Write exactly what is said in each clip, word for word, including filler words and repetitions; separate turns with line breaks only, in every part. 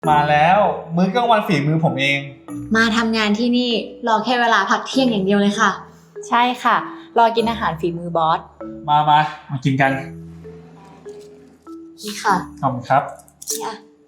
มาแล้วมื้อกลางวันฝีมือผมเอง
มาทำงานที่นี่รอแค่เวลาพักเที่ยงอย่างเดียวเลยค่ะ
ใช่ค่ะ รอกินอาหารฝีมือบอส
มามามากินกัน
นี่ค่ะ
ขอบคุณครับ
เนี่ย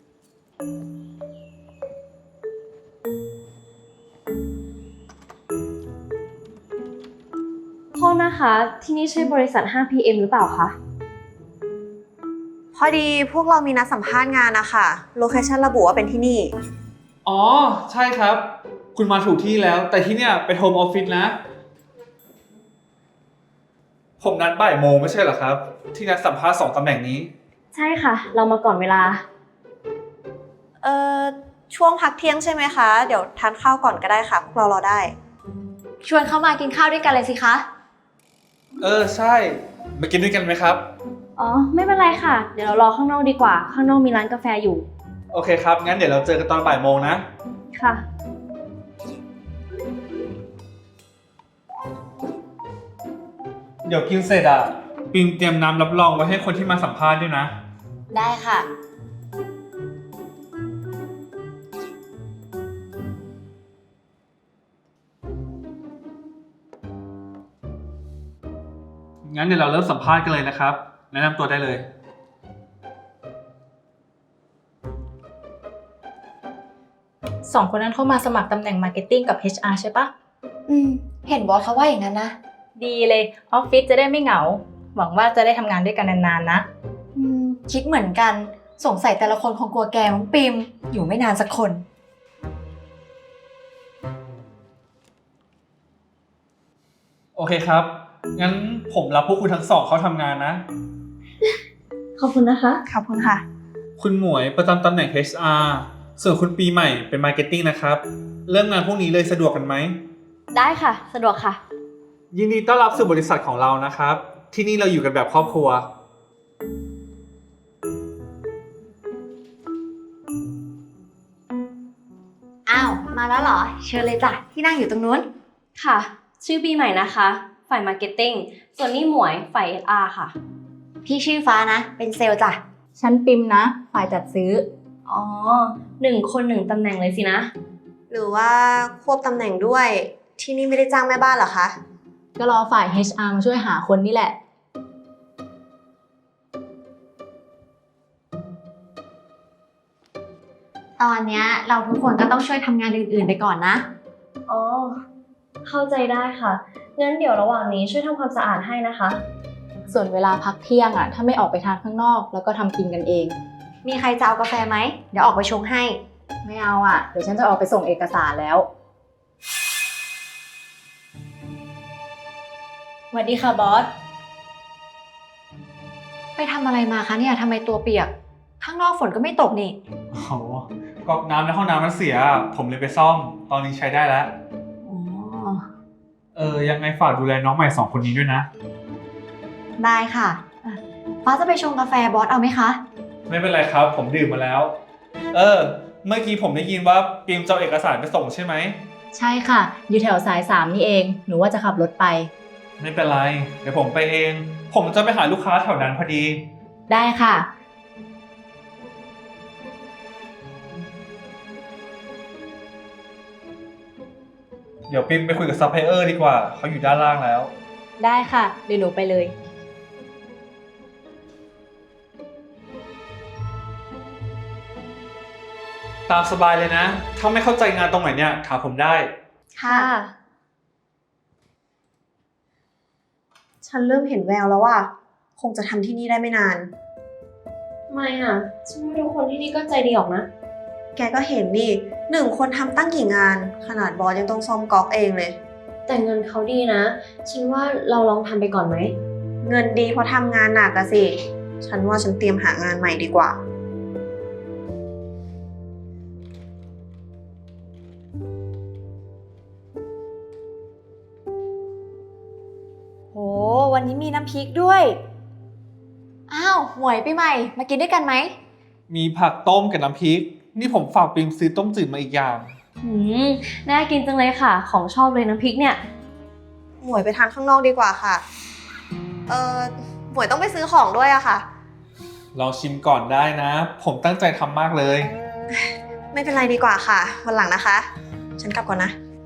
โทษนะคะ ที่นี่ใช่บริษัท ห้า พี เอ็ม หรือเปล่าคะ
พอดีพวกเรามีนัดสัมภาษณ์งานนะคะโลเคชั่นระบุว่าเป็นที่นี่
อ๋อใช่ครับ คุณมาถูกที่แล้ว แต่ที่เนี่ยเป็นโฮมออฟฟิศนะ ผมนัดบ่ายโมงไม่ใช่เหรอครับ ที่นัดสัมภาษณ์สองตำแหน่งนี้
ใช่ค่ะ เรามาก่อนเวลา
เอ่อ ช่วงพักเที่ยงใช่ไหมคะ เดี๋ยวทานข้าวก่อนก็ได้ค่ะ พวกเรารอได้
ชวนเข้ามากินข้าวด้วยกันเลยสิคะ
เออใช่ มากินด้วยกันไหมครับ
อ๋อ ไม่เป็นไรค่ะ เดี๋ยวเรารอข้างนอกดีกว่า ข้างนอกมีร้านกาแฟอยู่
โอเคครับ งั้นเดี๋ยวเราเจอกันตอนบ่ายโมงนะ
ค่ะ
เดี๋ยวกินเสร็จอ่ะปิงเตรียมน้ำรับรองไว้ให้คนที่มาสัมภาษณ์ด้วยนะ
ได้ค่ะ
งั้นเดี๋ยวเราเริ่มสัมภาษณ์กันเลยนะครับ แนะนำตัวได้เลย
สองคนนั้นเข้ามาสมัครตำแหน่งมาร์เก็ตติ้งกับ เอช อาร์ ใช่ปะ
อืม เห็นบอสเขาว่าอย่างนั้นนะ
ดีเลยออฟฟิศจะได้ไม่เหงา หวังว่าจะได้ทำงานด้วยกันนานๆนะ
อืม คิดเหมือนกัน สงสัยแต่ละคนคงกลัวแกมั้งปิม อยู่ไม่นานสักคน
โอเคครับ งั้นผมรับพวกคุณทั้งสองเข้าทำงานนะ
ขอบคุณนะคะ
ขอบคุณค่ะ
คุณหมวยประจำตำแหน่ง เอช อาร์ ส่วนคุณปีใหม่เป็นมาร์เก็ตติ้งนะครับ เริ่มงานพวกนี้เลยสะดวกกันไหม
ได้ค่ะ สะดวกค่ะ
ยินดีต้อนรับสู่บริษัทของเรานะครับ ที่นี่เราอยู่กันแบบครอบครัว
อ้าว มาแล้วเหรอ เชิญเลยจ้ะ ที่นั่งอยู่ตรงนู้น
ค่ะ ชื่อปีใหม่นะคะ ฝ่ายมาร์เก็ตติ้ง ส่วนนี่หมวย ฝ่าย เอช อาร์ ค่ะ
พี่ชื่อฟ้านะ เป็นเซลล์จ้ะ
ฉันปิมนะ ฝ่ายจัดซื้อ
อ๋อ หนึ่งคนหนึ่งตำแหน่งเลยสินะ
หรือว่าควบตำแหน่งด้วย ที่นี่ไม่ได้จ้างแม่บ้านเหรอคะ
ก็รอฝ่าย เอช อาร์ มาช่วยหาคนนี่แหละ
ตอนเนี้ยเราทุกคนก็ต้องช่วยทำงานอื่นๆไปก่อนนะ
อ๋อ เข้าใจได้ค่ะ งั้นเดี๋ยวระหว่างนี้ช่วยทำความสะอาดให้นะคะ
ส่วนเวลาพักเที่ยงอ่ะ ถ้าไม่ออกไปทานข้างนอก แล้วก็ทำกินกันเอง
มีใครจะเอากาแฟไหม เดี๋ยวออกไปชงให้
ไม่เอาอ่ะ เดี๋ยวฉันจะออกไปส่งเอกสารแล้วสวัสดีค่ะบอส
ไปทำอะไรมาคะเนี่ยทำไมตัวเปียก ข้างนอกฝนก็ไม่ตกนี่
โอ้โหก๊อกน้ำในห้องน้ำมันเสีย ผมเลยไปซ่อม ตอนนี้ใช้ได้แล้ว
อ๋อ
เออ ยังไงฝากดูแลน้องใหม่สองคนนี้ด้วยนะ
ได้ค่ะอ่ะ ฟ้าจะไปชงกาแฟบอสเอาไหมคะ
ไม่เป็นไรครับ ผมดื่มมาแล้ว เออ เมื่อกี้ผมได้ยินว่าปีมจะเอาเอกสารไปส่งใช่ไหม
ใช่ค่ะ อยู่แถวสายสามนี่เอง หนูว่าจะขับรถไป
ไม่เป็นไร เดี๋ยวผมไปเอง ผมจะไปหาลูกค้าแถวนั้นพอดี
ได้ค่ะ
เดี๋ยวปิมไปคุยกับซัพพลายเออร์ดีกว่า เขาอยู่ด้านล่างแล้ว
ได้ค่ะ เดี๋ยวหนูไปเลย
ตามสบายเลยนะ ถ้าไม่เข้าใจงานตรงไหนเนี่ยถามผมได้
ค่ะ
ฉันเริ่มเห็นแววแล้วว่า คงจะทำที่นี่ได้ไม่นาน
ไม่อ่ะ ฉันว่าทุกคนที่นี่ก็ใจดีออกนะ
แกก็เห็นนี่หนึ่งคนทำตั้งกี่งาน ขนาดบอสยังต้องซ่อมก๊อกเองเลย
แต่เงินเขาดีนะ ฉันว่าเราลองทำไปก่อนไหม
เงินดีเพราะทำงานหนักอะสิ ฉันว่าฉันเตรียมหางานใหม่ดีกว่า
โห วันนี้มีน้ำพริกด้วย อ้าว หมวยปีใหม่ มากินด้วยกันไหม
มีผักต้มกับน้ำพริก นี่ผมฝากปิมซื้อต้มจืดมาอีกอย่าง
หืม น่ากินจังเลยค่ะ ของชอบเลยน้ำพริกเนี่ย
หมวยไปทานข้างนอกดีกว่าค่ะ เออหมวยต้องไปซื้อของด้วยอะค่ะ
ลองชิมก่อนได้นะ ผมตั้งใจทำมากเลย
ไม่เป็นไรดีกว่าค่ะ วันหลังนะคะ ฉันกลับก่อนนะ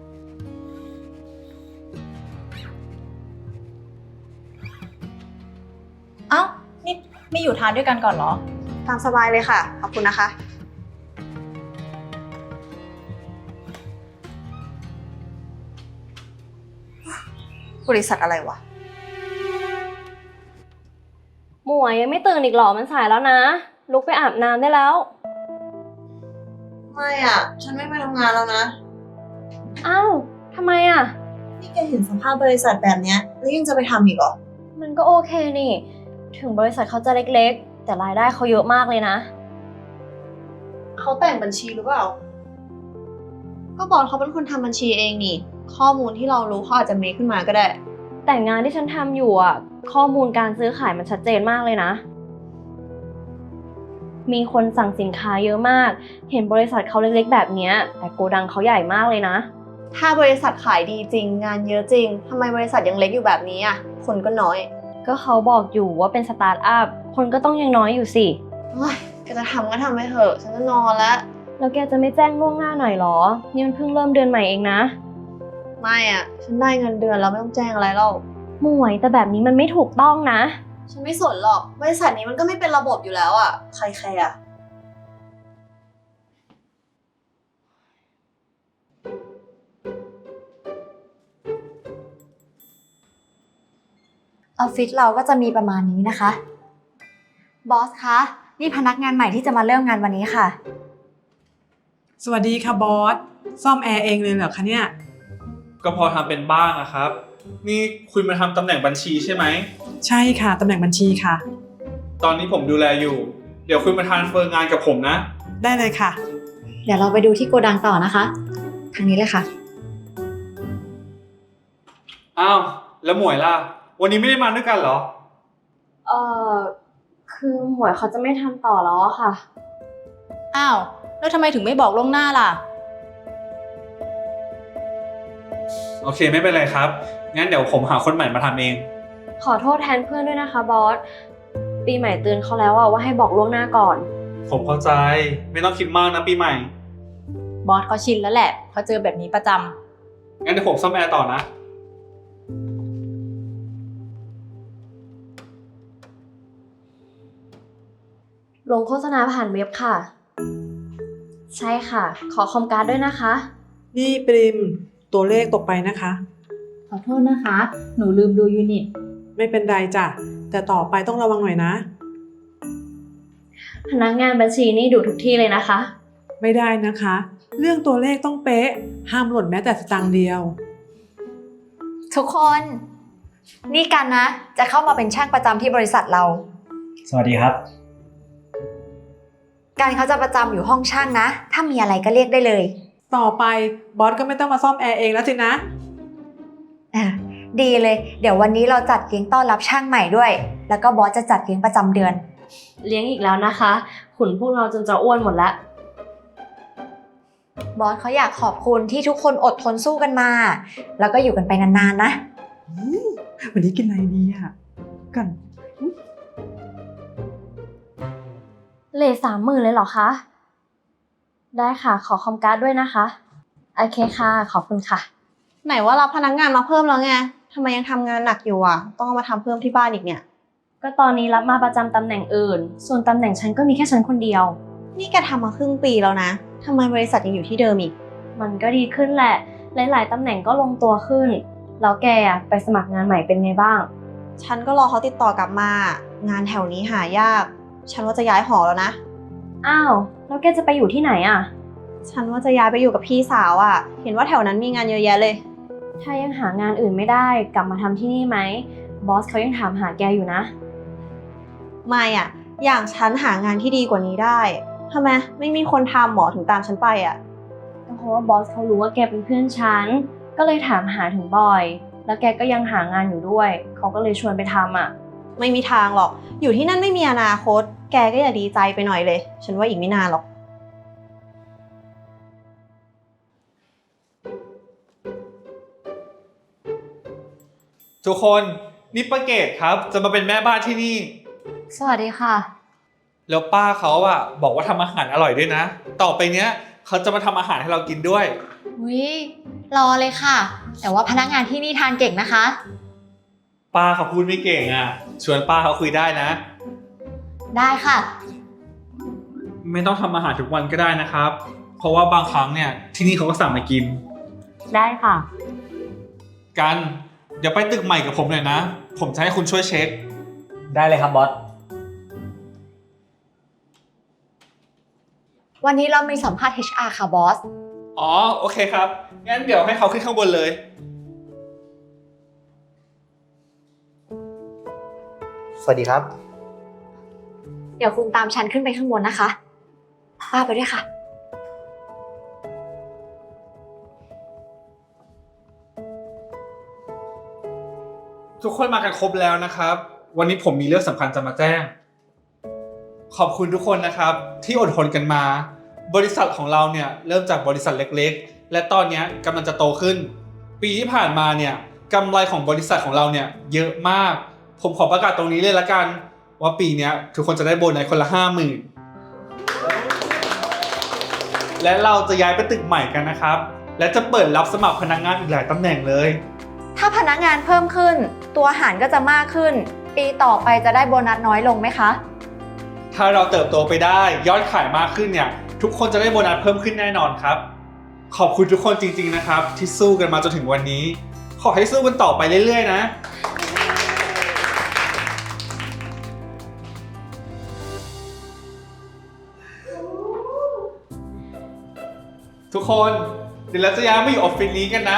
เอ้า นี่ไม่อยู่ทานด้วยกันก่อนเหรอ
ตามสบายเลยค่ะ ขอบคุณนะคะ บริษัทอะไรวะ
หมวยยังไม่ตื่นอีกเหรอ มันสายแล้วนะ ลุกไปอาบน้ำได้แล้ว
ไม่อ่ะ ฉันไม่ไปทำงานแล้วนะ
อ้าวทำไมอ่ะ
นี่แกเห็นสภาพบริษัทแบบเนี้ยแล้วยังจะไปทำอีกเหรอ
มันก็โอเคนี่ ถึงบริษัทเขาจะเล็กๆ แต่รายได้เขาเยอะมากเลยนะ
เขาแต่งบัญชีหรือเปล่า ก็บอสเขาเป็นคนทำบัญชีเองนี่ ข้อมูลที่เรารู้เขาอาจจะเมคขึ้นมาก็ได้
แต่งานที่ฉันทำอยู่อ่ะ ข้อมูลการซื้อขายมันชัดเจนมากเลยนะ มีคนสั่งสินค้าเยอะมาก เห็นบริษัทเขาเล็กๆแบบเนี้ยแต่โกดังเขาใหญ่มากเลยนะ
ถ้าบริษัทขายดีจริง งานเยอะจริงทำไมบริษัทยังเล็กอยู่แบบนี้อ่ะ คนก็น้อย
ก็เขาบอกอยู่ว่าเป็นสตาร์ทอัพ คนก็ต้องยังน้อยอยู่สิ
โอ้ยแกจะทำก็ทำไปเถอะ ฉันจะนอนแล้ว
แล้วแกจะไม่แจ้งล่วงหน้าหน่อยเหรอ นี่มันเพิ่งเริ่มเดือนใหม่เองนะ
ไม่อ่ะ ฉันได้เงินเดือนแล้วไม่ต้องแจ้งอะไรแล้ว
หมวยแต่แบบนี้มันไม่ถูกต้องนะ
ฉันไม่สนหรอก บริษัทนี้มันก็ไม่เป็นระบบอยู่แล้วอ่ะ ใครแคร์อ่ะ
ออฟฟิศเราก็จะมีประมาณนี้นะคะ บอสคะ นี่พนักงานใหม่ที่จะมาเริ่มงานวันนี้ค่ะ
สวัสดีค่ะบอส ซ่อมแอร์เองเลยเหรอคะเนี่ย
ก็พอทำเป็นบ้างอะครับ นี่คุณมาทำตำแหน่งบัญชีใช่ไหม
ใช่ค่ะตำแหน่งบัญชีค่ะ
ตอนนี้ผมดูแลอยู่ เดี๋ยวคุณมาทรานสเฟอร์งานกับผมนะ
ได้เลยค่ะ
เดี๋ยวเราไปดูที่โกดังต่อนะคะ ทางนี้เลยค่ะ
อ้าว แล้วหมวยล่ะ วันนี้ไม่ได้มาด้วยกันเหรอ
เอ่อ คือหมวยเขาจะไม่ทำต่อแล้วอะค่ะ
อ้าว แล้วทำไมถึงไม่บอกล่วงหน้าล่ะ
โอเคไม่เป็นไรครับ งั้นเดี๋ยวผมหาคนใหม่มาทำเอง
ขอโทษแทนเพื่อนด้วยนะคะบอส ปีใหม่เตือนเขาแล้วอะว่าให้บอกล่วงหน้าก่อน
ผมเข้าใจ ไม่ต้องคิดมากนะปีใหม่
บอสเขาชินแล้วแหละเขาเจอแบบนี้ประจำ
งั้นเดี๋ยวผมซ่อมแอร์ต่อนะ
ลงโฆษณาผ่านเว็บค่ะ ใช่ค่ะ ขอคอมการ์ดด้วยนะคะ
นี่ปริมตัวเลขตกไปนะคะ
ขอโทษนะคะ หนูลืมดูยูนิต
ไม่เป็นไรจ้ะ แต่ต่อไปต้องระวังหน่อยนะ
พนักงานบัญชีนี่ดูทุกที่เลยนะคะ
ไม่ได้นะคะ เรื่องตัวเลขต้องเป๊ะ ห้ามหล่นแม้แต่สตางค์เดียว
ทุกคน นี่กันนะ จะเข้ามาเป็นช่างประจำที่บริษัทเรา
สวัสดีครับ
การเขาจะประจำอยู่ห้องช่างนะ ถ้ามีอะไรก็เรียกได้เลย
ต่อไปบอสก็ไม่ต้องมาซ่อมแอร์เองแล้วสินะ
อ่ะดีเลย เดี๋ยววันนี้เราจัดเลี้ยงต้อนรับช่างใหม่ด้วย แล้วก็บอสจะจัดเลี้ยงประจำเดือน
เลี้ยงอีกแล้วนะคะ ขุนพวกเราจนจะอ้วนหมดแล้ว
บอสเขาอยากขอบคุณที่ทุกคนอดทนสู้กันมา แล้วก็อยู่กันไปนานๆนะ
วันนี้กินอะไรดีอ่ะ กัน
เลทสามหมื่นเลยเหรอคะ ได้ค่ะ ขอคอมการ์ดด้วยนะคะ โอเคค่ะ ขอบคุณค่ะ
ไหนว่ารับพนักงานมาเพิ่มแล้วไงทำไมยังทำงานหนักอยู่อ่ะ ต้องเอามาทำเพิ่มที่บ้านอีกเนี่ย
ก็ตอนนี้รับมาประจำตำแหน่งอื่น ส่วนตำแหน่งฉันก็มีแค่ฉันคนเดียว
นี่แกทำมาครึ่งปีแล้วนะทำไมบริษัทยังอยู่ที่เดิมอีก
มันก็ดีขึ้นแหละ หลายๆตำแหน่งก็ลงตัวขึ้น แล้วแกอะไปสมัครงานใหม่เป็นไงบ้าง
ฉันก็รอเขาติดต่อกลับมา งานแถวนี้หายาก ฉันว่าจะย้ายหอแล้วนะ
อ้าว แล้วแกจะไปอยู่ที่ไหนอ่ะ
ฉันว่าจะย้ายไปอยู่กับพี่สาวอ่ะ เห็นว่าแถวนั้นมีงานเยอะแยะเลย
ถ้ายังหางานอื่นไม่ได้กลับมาทำที่นี่ไหม บอสเขายังถามหาแกอยู่นะ
ไม่อ่ะ อย่างฉันหางานที่ดีกว่านี้ได้ทำไมไม่มีคนทำหมอถึงตามฉันไปอ่ะ
ก็เพราะว่าบอสเขารู้ว่าแกเป็นเพื่อนฉัน ก็เลยถามหาถึงบ่อย แล้วแกก็ยังหางานอยู่ด้วย เขาก็เลยชวนไปทำอ่ะ
ไม่มีทางหรอก อยู่ที่นั่นไม่มีอนาคต แกก็อย่าดีใจไปหน่อยเลย ฉันว่าอีกไม่นานหรอก
ทุกคนนี่ป้าเกดครับ จะมาเป็นแม่บ้านที่นี่
สวัสดีค่ะ
แล้วป้าเขาอะบอกว่าทำอาหารอร่อยด้วยนะ ต่อไปเนี้ยเขเขาจะมาทำอาหารให้เรากินด้วย
วิรอเลยค่ะ แต่ว่าพนักงานที่นี่ทานเก่งนะคะ
ป้าเขาพูดไม่เก่งอ่ะ ชวนป้าเขาคุยได้นะ
ได้ค่ะ
ไม่ต้องทำอาหารทุกวันก็ได้นะครับ เพราะว่าบางครั้งเนี่ยที่นี่เขาก็สั่งมากิน
ได้ค่ะ
กัน เดี๋ยวไปตึกใหม่กับผมหน่อยนะ ผมจะให้คุณช่วยเช็ค
ได้เลยครับบอส
วันนี้เรามีสัมภาษณ์ เอช อาร์ ค่ะบอส
อ๋อ โอเคครับ งั้นเดี๋ยวให้เขาขึ้นข้างบนเลย
สวัสดีครับ
เดี๋ยวคุณตามฉันขึ้นไปข้างบนนะคะป้าไปด้วยค่ะ
ทุกคนมากันครบแล้วนะครับ วันนี้ผมมีเรื่องสำคัญจะมาแจ้ง ขอบคุณทุกคนนะครับที่อดทนกันมา บริษัทของเราเนี่ยเริ่มจากบริษัทเล็กๆ และตอนนี้กำลังจะโตขึ้น ปีที่ผ่านมาเนี่ยกำไรของบริษัทของเราเนี่ยเยอะมาก ผมขอประกาศตรงนี้เลยละกัน ว่าปีนี้ทุกคนจะได้โบนัสคนละห้าหมื่นและเราจะย้ายไปตึกใหม่กันนะครับ และจะเปิดรับสมัครพนักงานอีกหลายตำแหน่งเลย
ถ้าพนักงานเพิ่มขึ้น ตัวอาหารก็จะมากขึ้น ปีต่อไปจะได้โบนัสน้อยลงไหมคะ
ถ้าเราเติบโตไปได้ยอดขายมากขึ้นเนี่ยทุกคนจะได้โบนัสเพิ่มขึ้นแน่นอนครับ ขอบคุณทุกคนจริงๆนะครับที่สู้กันมาจนถึงวันนี้ ขอให้สู้กันต่อไปเรื่อยๆนะ ทุกคนเดี๋ยวเราจะย้ายมาอยู่ออฟฟิศนี้กันนะ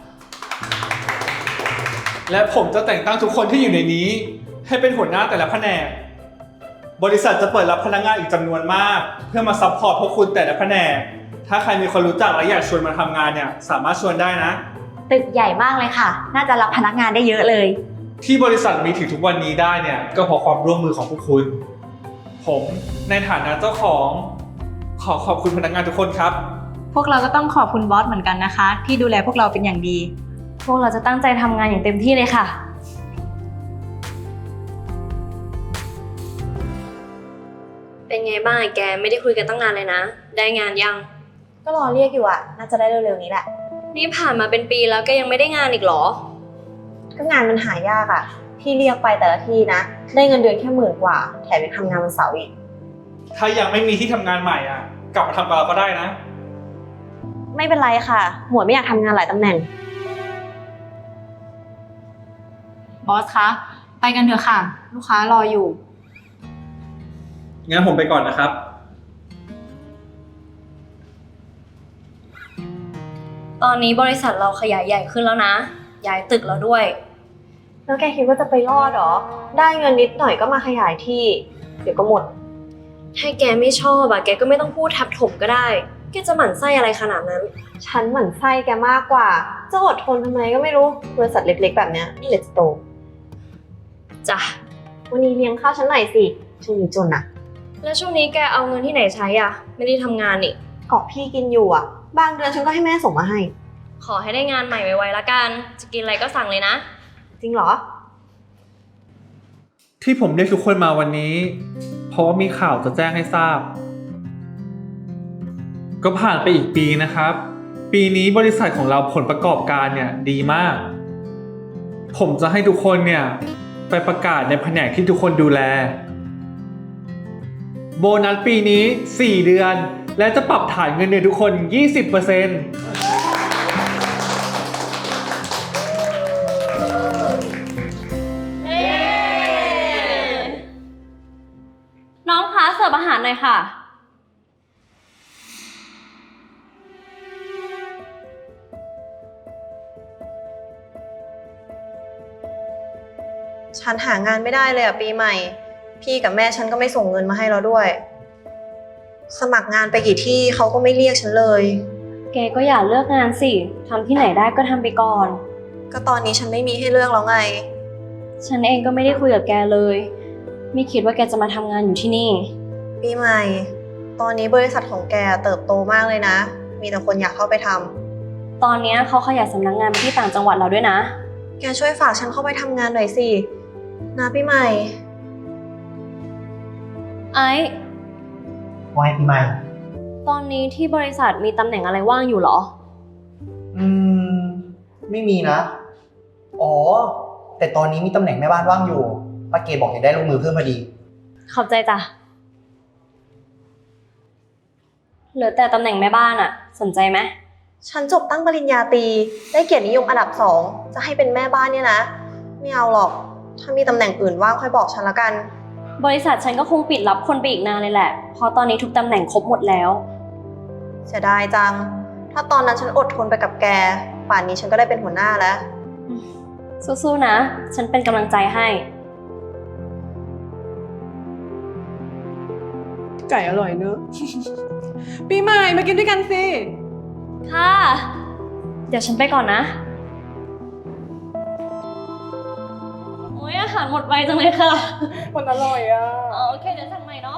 และผมจะแต่งตั้งทุกคนที่อยู่ในนี้ ให้เป็นหัวหน้าแต่ละแผนก บริษัทจะเปิดรับพนักงานอีกจำนวนมาก เพื่อมาซัพพอร์ตพวกคุณแต่ละแผนก ถ้าใครมีคนรู้จักและอยากชวนมาทำงานเนี่ยสามารถชวนได้นะ
ตึกใหญ่มากเลยค่ะ น่าจะรับพนักงานได้เยอะเลย
ที่บริษัทมีถึงทุกวันนี้ได้เนี่ยก็เพราะความร่วมมือของพวกคุณ ผมในฐานะเจ้าของ ขอขอบคุณพนักงานทุกคนครับ
พวกเราก็ต้องขอบคุณบอสเหมือนกันนะคะ ที่ดูแลพวกเราเป็นอย่างดี
พวกเราจะตั้งใจทำงานอย่างเต็มที่เลยค่ะ เป็นไงบ้างแกไม่ได้คุยกันตั้งนานเลยนะ ได้งานยัง
ก็รอเรียกอยู่อะน่าจะได้เร็วๆนี้แหละ
นี่ผ่านมาเป็นปีแล้วแกยังไม่ได้งานอีกเหรอ
ก็งานมันหายากอะที่เรียกไปแต่ละที่นะ ได้เงินเดือนแค่หมื่นกว่า แถมยังทำงานวันเสาร์อีก
ถ้ายังไม่มีที่ทำงานใหม่อ่ะกลับมาทำกับเราก็ได้นะ
ไม่เป็นไรค่ะ หมวยไม่อยากทำงานหลายตำแหน่ง
บอสคะ ไปกันเถอะค่ะ ลูกค้ารออยู่
งั้นผมไปก่อนนะครับ
ตอนนี้บริษัทเราขยายใหญ่ขึ้นแล้วนะ ย้ายตึกแล้วด้วย
แล้วแกคิดว่าจะไปรอดเหรอ ได้เงินนิดหน่อยก็มาขยายที่ เดี๋ยวก็หมด
ถ้าแกไม่ชอบอะแกก็ไม่ต้องพูดทับถมก็ได้ แกจะหมั่นไส้อะไรขนาดนั้น
ฉันหมั่นไส้แกมากกว่า จะอดทนทำไมก็ไม่รู้ บริษัทเล็กๆแบบเนี้ยนี่แหละจะโต
จ้ะ
วันนี้เลี้ยงข้าวฉันหน่อยสิช่วงนี้จนอะ
แล้วช่วงนี้แกเอาเงินที่ไหนใช้อะไม่ได้ทำงานนี่
เกาะพี่กินอยู่อะบางเดือนฉันก็ให้แม่ส่งมาให้
ขอให้ได้งานใหม่ไวๆละกัน จะกินอะไรก็สั่งเลยนะ
จริงเหรอ
ที่ผมเรียกทุกคนมาวันนี้ เพราะว่ามีข่าวจะแจ้งให้ทราบ ก็ผ่านไปอีกปีนะครับ ปีนี้บริษัทของเราผลประกอบการเนี่ยดีมาก ผมจะให้ทุกคนเนี่ยไปประกาศในแผนกที่ทุกคนดูแล โบนัสปีนี้สี่เดือนและจะปรับฐานเงินเดือนทุกคน ยี่สิบเปอร์เซ็นต์
น้องคะเสิร์ฟอาหารหน่อยค่ะ
ฉันหางานไม่ได้เลยอะปีใหม่ พี่กับแม่ฉันก็ไม่ส่งเงินมาให้เราด้วย สมัครงานไปกี่ที่เขาก็ไม่เรียกฉันเลย
แกก็อย่าเลือกงานสิ ทำที่ไหนได้ก็ทำไปก่อน
ก็ตอนนี้ฉันไม่มีให้เลือกแล้วไง
ฉันเองก็ไม่ได้คุยกับแกเลย ไม่คิดว่าแกจะมาทำงานอยู่ที่นี่
ปีใหม่ ตอนนี้บริษัทของแกเติบโตมากเลยนะ มีแต่คนอยากเข้าไปทำ
ตอนนี้เขาขยายสำนักงานไปที่ต่างจังหวัดเราด้วยนะ
แกช่วยฝากฉันเข้าไปทำงานหน่อยสิ นะปีใหม่
ไอ้
ว่าไงปีใหม่
ตตอนนี้ที่บริษัทมีตำแหน่งอะไรว่างอยู่เหรอ
อืม ไม่มีนะ อ๋อ แต่ตอนนี้มีตำแหน่งแม่บ้านว่างอยู่ป้าเกดบอกอยากได้ลูกมือเพิ่มพอดี
ขอบใจจ้ะ เหลือแต่ตำแหน่งแม่บ้านอะสนใจไหม
ฉันจบตั้งปริญญาตรีได้เกียรตินิยมอันดับสองจะให้เป็นแม่บ้านเนี่ยนะ ไม่เอาหรอก ถ้ามีตำแหน่งอื่นว่างค่อยบอกฉันละกัน
บริษัทฉันก็คงปิดรับคนไปอีกนานเลยแหละ เพราะตอนนี้ทุกตำแหน่งครบหมดแล้ว
เสียดายจัง ถ้าตอนนั้นฉันอดทนไปกับแก ป่านนี้ฉันก็ได้เป็นหัวหน้าแล้ว
สู้ๆนะ ฉันเป็นกำลังใจให้
ไก่อร่อยเนอะ ปีใหม่มากินด้วยกันสิ
ค่ะ เดี๋ยวฉันไปก่อนนะ โอ้ยอาหารหมดไวจังเลยค่ะ
มันอร่อยอ่ะ
อ๋อโอเค เดี๋ยวสั่งใหม่เนาะ